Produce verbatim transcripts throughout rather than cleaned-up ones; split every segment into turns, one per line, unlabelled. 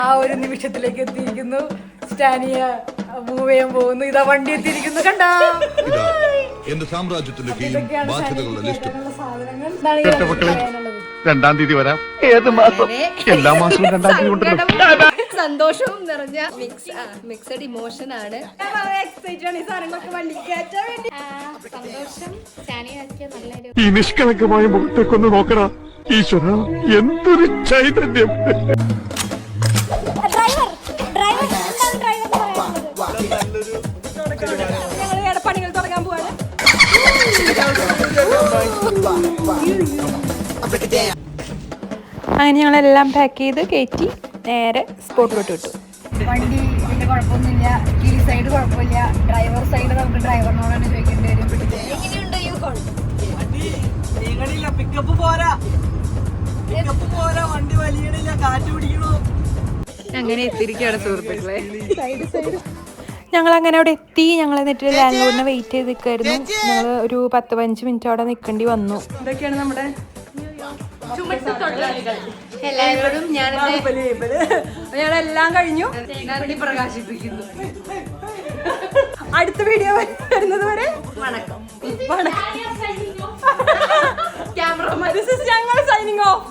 ആ ഒരു നിമിഷത്തിലേക്ക് എത്തിയിരിക്കുന്നു. സ്റ്റാനിയ മൂവ് ചെയ്യാൻ പോകുന്നു. ഇതാ വണ്ടി എത്തിയിരിക്കുന്നു. കണ്ടോ
എന്റെ സാമ്രാജ്യത്തിന്റെ ബാധ്യതകളുടെ ലിസ്റ്റ്.
രണ്ടാം തീയതി വരാം. ഏത് മാസം? എല്ലാ മാസവും രണ്ടാം തീയതി ഉണ്ടല്ലോ.
സന്തോഷവും നിറഞ്ഞ മിക്സ് മിക്സഡ് ഇമോഷൻ ആണ്.
ഈ നിഷ്കളങ്കമായ മുഖത്തേക്കൊന്ന് നോക്കണ ഈശ്വര, എന്തൊരു ചൈതന്യം.
പണികൾ തുടങ്ങാൻ പോവാണ്.
അങ്ങനെ ഞങ്ങളെല്ലാം പാക്ക് ചെയ്ത് കയറ്റി നേരെ സ്പോട്ടിലോട്ട് വിട്ടു.
വണ്ടി വലിയ കുഴപ്പമൊന്നുമില്ല. കീ സൈഡ് കുഴപ്പമില്ല. ഡ്രൈവർ സൈഡ് നമുക്ക് ഡ്രൈവറിനോടാണ് ചോദിക്കേണ്ടി വരും. എങ്ങനെയുണ്ട് യു ഹോൾ?
പിക്കപ്പ് പോരാ, പിക്കപ്പ് പോരാ, വണ്ടി വലിയണില്ല, കാറ്റ് പിടിക്കണോ.
അങ്ങനെ എത്തിയിരിക്കുകയാണ് സുഹൃത്തുക്കളെ. ഞങ്ങൾ അങ്ങനെ അവിടെ എത്തി. ഞങ്ങൾ എന്നിട്ട് ലാൻഡ് ലോഡിനെ വെയിറ്റ് ചെയ്ത് നിൽക്കായിരുന്നു. ഞങ്ങൾ ഒരു പത്ത് പതിനഞ്ച് മിനിറ്റ് അവിടെ നിൽക്കേണ്ടി വന്നു.
ഇതൊക്കെയാണ് നമ്മുടെ
എല്ലാവരോടും ഞാൻ
ഞങ്ങളെല്ലാം കഴിഞ്ഞു.
പ്രകാശിപ്പിക്കുന്നു.
അടുത്ത വീഡിയോ വരുന്നത് വരെ
വണക്കം.
ക്യാമറമാൻ ഞങ്ങൾ സൈനിങ് ഓഫ്.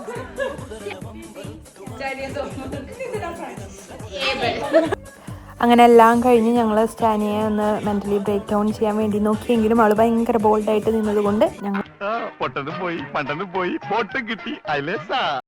അങ്ങനെ എല്ലാം കഴിഞ്ഞ് ഞങ്ങൾ സ്റ്റാനിയെ ഒന്ന് മെന്റലി ബ്രേക്ക് ഡൗൺ ചെയ്യാൻ വേണ്ടി നോക്കിയെങ്കിലും അവൾ ഭയങ്കര ബോൾഡായിട്ട് നിന്നത് കൊണ്ട് ഞങ്ങൾ
പൊട്ടനും പോയി, പണ്ടനും പോയി, ബോട്ടും കിട്ടി. അയലേസാ.